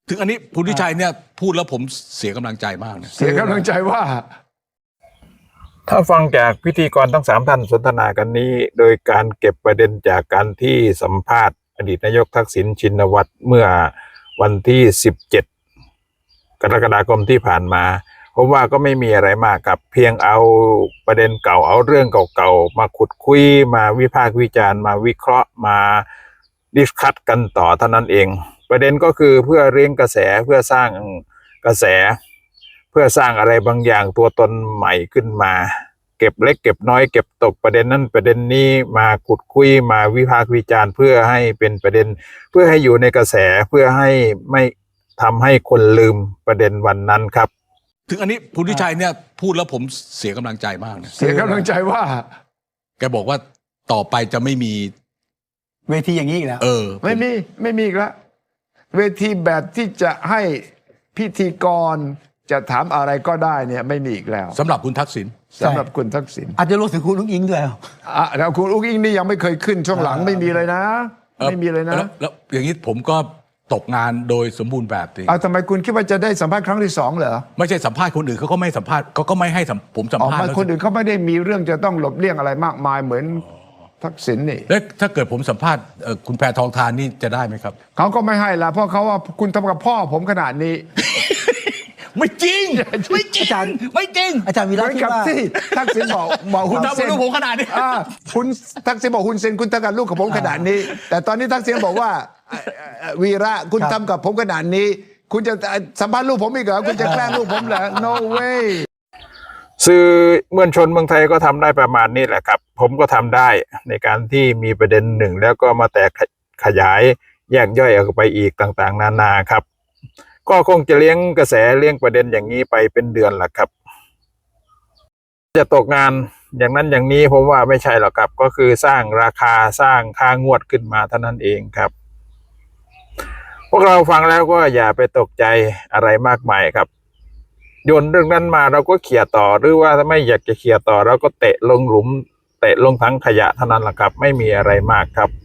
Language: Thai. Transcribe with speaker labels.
Speaker 1: ถึงอันนี้คุณทิชัยเนี่ยพูดแล้วผมเสียกำลังใจมากนะ
Speaker 2: เสียกำลังใจว่า
Speaker 3: ถ้าฟังจากพิธีกรทั้ง3ท่านสนทนากันนี้โดยการเก็บประเด็นจากการที่สัมภาษณ์อดีตนายกทักษิณชินวัตรเมื่อวันที่17 กรกฎาคมที่ผ่านมาผมว่าก็ไม่มีอะไรมากครับเพียงเอาประเด็นเก่าเอาเรื่องเก่าๆมาขุดคุยมาวิพากษ์วิจารณ์มาวิเคราะห์มาดิสคัสกันต่อเท่านั้นเองประเด็นก็คือเพื่อเรียงกระแสเพื่อสร้างกระแสเพื่อสร้างอะไรบางอย่างตัวตนใหม่ขึ้นมาเก็บเล็กเก็บน้อยเก็บตกประเด็นนั้นประเด็นนี้มาขุดคุยมาวิพากษ์วิจารณ์เพื่อให้เป็นประเด็นเพื่อให้อยู่ในกระแสเพื่อให้ไม่ทำให้คนลืมประเด็นวันนั้นครับ
Speaker 1: ถึงอันนี้คุณทิชัยเนี่ยพูดแล้วผมเสียกำลังใจมากนะ
Speaker 2: เสียกำลังใจว่า
Speaker 1: แกบอกว่าต่อไปจะไม่มี
Speaker 4: เวทีอย่างนี้อีกแล้ว
Speaker 2: ไม่มีอีกแล้วเวทีแบบที่จะให้พิธีกรจะถามอะไรก็ได้เนี่ยไม่มีอีกแล้ว
Speaker 1: สำหรับคุณทักษิณ
Speaker 2: สำหรับคุณทักษิณ
Speaker 4: อาจจะรวมถึงคุณลุงอิงด้วย
Speaker 2: แล้วคุณอุ้งอิงนี่ยังไม่เคยขึ้นช่วงหลังไม่มีเลยนะ ไม่มีเลยนะ
Speaker 1: แล้วอย่างนี้ผมก็ตกงานโดยสมบูรณ์แบบสิ
Speaker 2: ทำไมคุณคิดว่าจะได้สัมภาษณ์ครั้งที่2เหรอ
Speaker 1: ไม่ใช่สัมภาษณ์คนอื่นเขาก็ไม่สัมภาษณ์เขาก็ไม่ให้ผมสัม
Speaker 2: ออก
Speaker 1: ภาษณ์
Speaker 2: มา
Speaker 1: แล้ว
Speaker 2: คนอื่นเขาไม่ได้มีเรื่องจะต้องหลบเลี่ยงอะไรมากมายเหมือนทักษิณนี่
Speaker 1: แล้วถ้าเกิดผมสัมภาษณ์คุณแพทองทานนี่จะได้ไหมครับ
Speaker 2: เขาก็ไม่ให้ละเพราะเขาว่าคุณทำกับพ่อผมขนาดนี้
Speaker 1: ไม่จริงไม่จริง
Speaker 4: อาจารย์
Speaker 1: ไม่จริง
Speaker 4: อาจารย์วี
Speaker 2: เห
Speaker 4: ระ
Speaker 2: มือน
Speaker 4: คิด
Speaker 2: กับ
Speaker 4: ว่า
Speaker 2: ที่ทักษิณบอก
Speaker 1: คุ
Speaker 2: คุณ ณ
Speaker 1: ทำ
Speaker 2: เซ
Speaker 1: กับ
Speaker 2: น
Speaker 1: ลูกผมขนาดนี้
Speaker 2: คุณทักษิณบอกคุณเซนคุณทำกับลูกกับผมขนาดนี้ แต่ตอนนี้ทักษิณบอกว่าวีระคุณทำกับผมขนาดนี้ คุณจะสัมภาษณ์ลูกผมอีกเหรอคุณจะแกล้งลูกผมเหรอ no way
Speaker 3: สื่อมวลชนเมืองไทยก็ทำได้ประมาณนี้แหละครับผมก็ทำได้ในการที่มีประเด็นหนึ่งแล้วก็มาแตกขยายแยกย่อยออกไปอีกต่างๆนานาครับก็คงจะเลี้ยงกระแสเลี้ยงประเด็นอย่างนี้ไปเป็นเดือนแหละครับจะตกงานอย่างนั้นอย่างนี้ผมว่าไม่ใช่หรอกครับก็คือสร้างราคาสร้างค่างวดขึ้นมาเท่านั้นเองครับพวกเราฟังแล้วก็อย่าไปตกใจอะไรมากมายครับโยนเรื่องนั้นมาเราก็เขี่ยต่อหรือว่าถ้าไม่อยากจะเขี่ยต่อเราก็เตะลงหลุมเตะลงถังขยะเท่านั้นแหละครับไม่มีอะไรมากครับ